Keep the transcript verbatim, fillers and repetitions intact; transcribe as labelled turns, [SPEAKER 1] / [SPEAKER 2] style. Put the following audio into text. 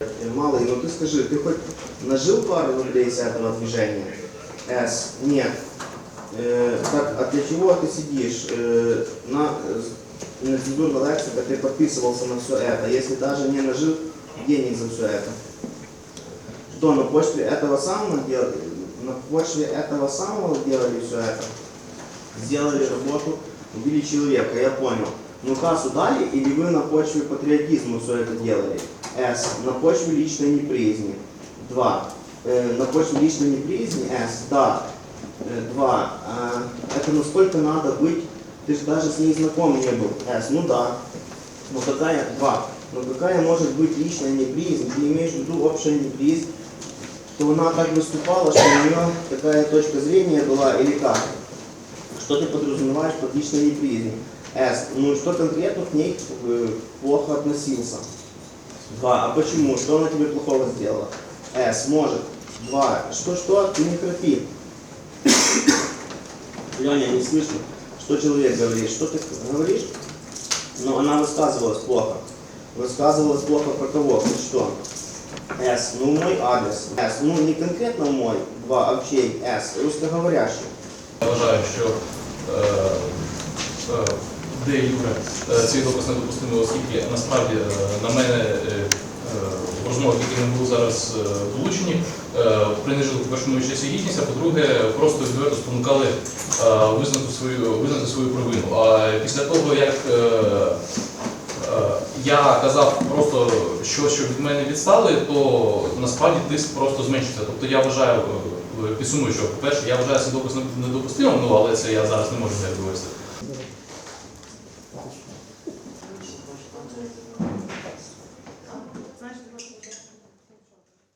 [SPEAKER 1] Малый, ну ты скажи, ты хоть нажил пару рублей с этого движения? С. Нет. Э, так, а для чего ты сидишь? Э, на на цензурной лекции ты подписывался на все это, если даже не нажил денег за все это. Что на почве этого самого делали? На почве этого самого делали все это? Сделали работу, убили человека, я понял. Ну кассу дали или вы на почве патриотизма все это делали? С. На почве личной неприязни. Два. Э, на почве личной неприязни. С. Да. Э, два. Э, это насколько надо быть, ты же даже с ней знаком не был. С. Ну да. Но какая? Два. Но какая может быть личная неприязнь? Ты имеешь в виду общая неприязнь, что она так выступала, что у нее такая точка зрения была или как? Что ты подразумеваешь под личной неприязнью? С. Ну что конкретно к ней э, плохо относился? Два. А почему? Что она тебе плохого сделала? С. Может. Два. Что-что? Ты не храпи. Леня, не слышно, что человек говорит. Что ты говоришь? Но она высказывалась плохо. Высказывалась плохо про кого? Хоть что? С. Ну мой адрес. С. Ну не конкретно мой. Два. А в чей? С. Русскоговорящий.
[SPEAKER 2] Я вважаю, що е, е, де Юре е, цей допис недопустимий, оскільки насправді е, на мене е, е, в розмовах, які не були зараз е, долучені, е, принижили, по-перше, мою честь і гідність, а по-друге, просто відверто спонукали е, визнати свою, визнати свою провину. А після того, як е, е, я казав просто щось, що від мене відстали, то насправді тиск просто зменшився. Тобто я вважаю, підсумую, що, по-перше, я вважаю цей допис недопустимим, ну, але це я зараз не можу не довести.